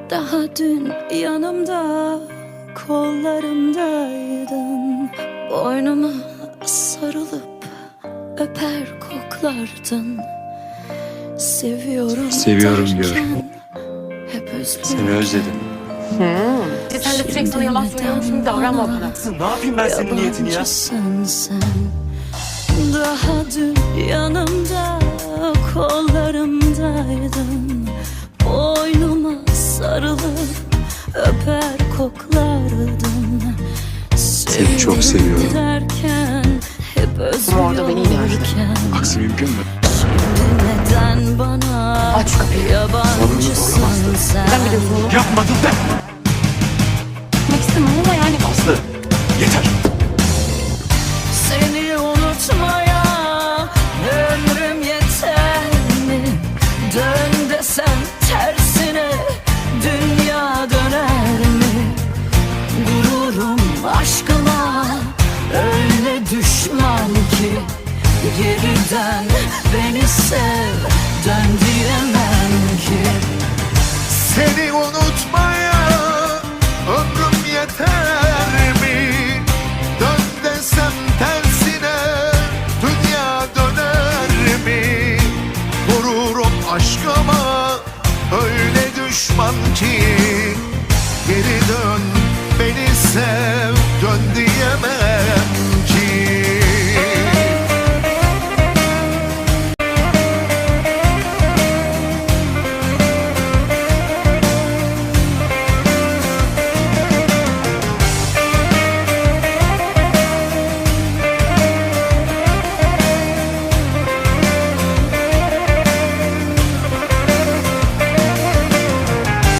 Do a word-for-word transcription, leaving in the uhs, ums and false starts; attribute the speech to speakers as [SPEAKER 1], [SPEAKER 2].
[SPEAKER 1] Daha dün yanımda, kollarımdaydın. Boynuma sarılıp öper koklardın. Seviyorum,
[SPEAKER 2] Seviyorum
[SPEAKER 1] derken
[SPEAKER 2] diyor.
[SPEAKER 1] hep özledim.
[SPEAKER 2] Seni özledim.
[SPEAKER 3] Hmm. Sen de sürekli sana yalan söylüyormuş gibi davranma bana.
[SPEAKER 2] Ne yapayım ben senin niyetini ya?
[SPEAKER 1] Yabancısın sen. Daha dün yanımda, kollarımdaydın. Boynuma sarılıp öper koklardın.
[SPEAKER 2] Seni çok seviyorum.
[SPEAKER 1] Derken hep
[SPEAKER 3] Ama orada beni inandırdın.
[SPEAKER 1] özlüyorken
[SPEAKER 2] Aksi mümkün mü?
[SPEAKER 1] şimdi neden bana
[SPEAKER 3] Aç şu kapıyı.
[SPEAKER 1] yabancısın sen?
[SPEAKER 3] Ben biliyorsun onu.
[SPEAKER 2] Yapmadım ben.
[SPEAKER 3] Gitmek istemem ama yani.
[SPEAKER 2] Aslı yeter.
[SPEAKER 1] Seni unutmaya ömrüm yeter mi? Dön desem tersine dünya döner mi? Gururum aşkıma öyle düşman ki geriden beni sev, dön diyemem ki.
[SPEAKER 4] Seni unutmaya ömrüm yeter mi? Dön desem tersine dünya döner mi? Vururum aşkıma öyle düşman ki geri dön beni sev, dön diye